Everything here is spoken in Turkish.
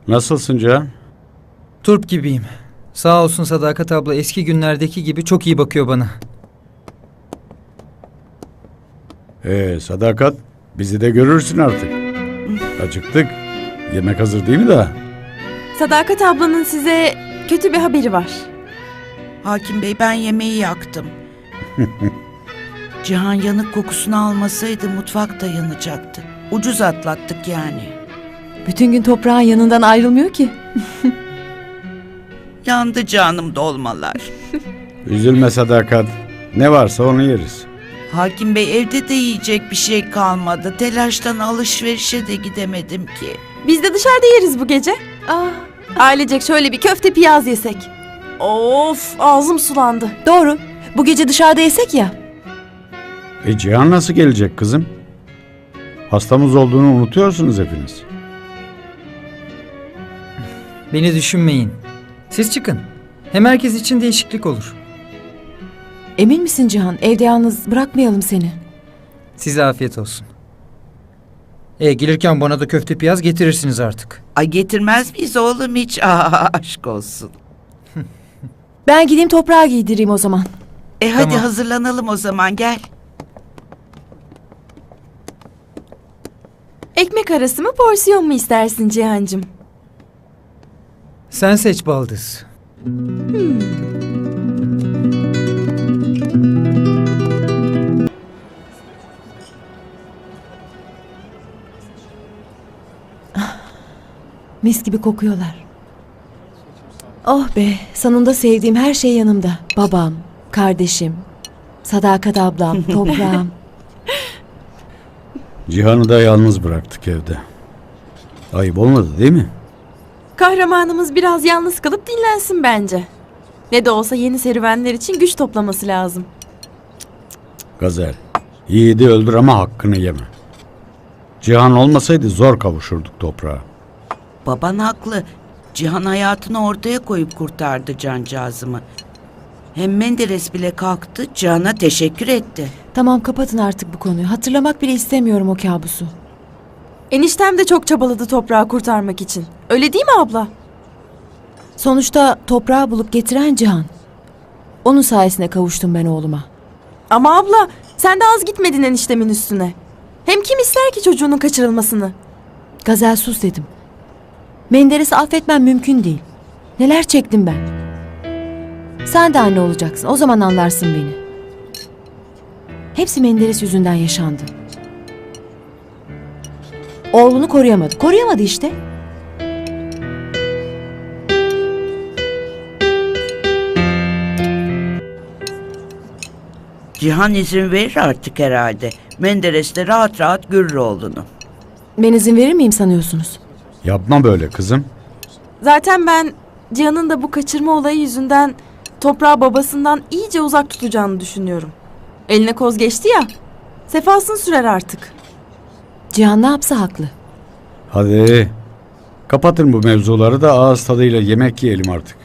Nasılsın Cihan? Turp gibiyim. Sağ olsun Sadakat abla eski günlerdeki gibi çok iyi bakıyor bana. Sadakat, bizi de görürsün artık. Acıktık. Yemek hazır değil mi daha? Sadakat ablanın size kötü bir haberi var. Hakim Bey, ben yemeği yaktım. Cihan yanık kokusunu almasaydı mutfak da yanacaktı. Ucuz atlattık yani. Bütün gün toprağın yanından ayrılmıyor ki. Yandı canım dolmalar. Üzülme Sadakat. Ne varsa onu yeriz. Hakim Bey, evde de yiyecek bir şey kalmadı. Telaştan alışverişe de gidemedim ki. Biz de dışarıda yeriz bu gece. Ailecek şöyle bir köfte piyaz yesek. Of, ağzım sulandı. Doğru. Bu gece dışarıda yesek ya. Cihan nasıl gelecek kızım? Hastamız olduğunu unutuyorsunuz hepiniz. Beni düşünmeyin. Siz çıkın. Hem herkes için değişiklik olur. Emin misin Cihan? Evde yalnız bırakmayalım seni. Size afiyet olsun. Gelirken bana da köfte piyaz getirirsiniz artık. Ay, getirmez miyiz oğlum hiç? Aşk olsun. Ben gideyim toprağa giydireyim o zaman. Hadi Tamam. hazırlanalım o zaman, gel. Ekmek arası mı porsiyon mu istersin Cihancığım? Sen seç baldız. Mis gibi kokuyorlar. Oh be, sonunda sevdiğim her şey yanımda. Babam, kardeşim, Sadakat ablam, toprağım. Cihan'ı da yalnız bıraktık evde. Ayıp olmadı değil mi? Kahramanımız biraz yalnız kalıp dinlensin bence. Ne de olsa yeni serüvenler için güç toplaması lazım. Gazel, yiğidi öldür ama hakkını yeme. Cihan olmasaydı zor kavuşurduk toprağa. Baban haklı. Cihan hayatını ortaya koyup kurtardı cancağızımı. Hem Menderes bile kalktı, Cihan'a teşekkür etti. Tamam, kapatın artık bu konuyu. Hatırlamak bile istemiyorum o kabusu. Eniştem de çok çabaladı toprağı kurtarmak için. Öyle değil mi abla? Sonuçta toprağı bulup getiren Cihan. Onun sayesinde kavuştum ben oğluma. Ama abla sen de az gitmedin eniştemin üstüne. Hem kim ister ki çocuğunun kaçırılmasını? Gazel, sus dedim. Menderes'i affetmem mümkün değil. Neler çektim ben. Sen de anne olacaksın. O zaman anlarsın beni. Hepsi Menderes yüzünden yaşandı. Oğlunu koruyamadı. Koruyamadı işte. Cihan izin verir artık herhalde. Menderes de rahat rahat görür oğlunu. Ben izin verir miyim sanıyorsunuz? Yapma böyle kızım. Zaten ben Cihan'ın da bu kaçırma olayı yüzünden toprağı babasından iyice uzak tutacağını düşünüyorum. Eline koz geçti ya. Sefasını sürer artık. Cihan ne yapsa haklı. Hadi kapatın bu mevzuları da ağız tadıyla yemek yiyelim artık.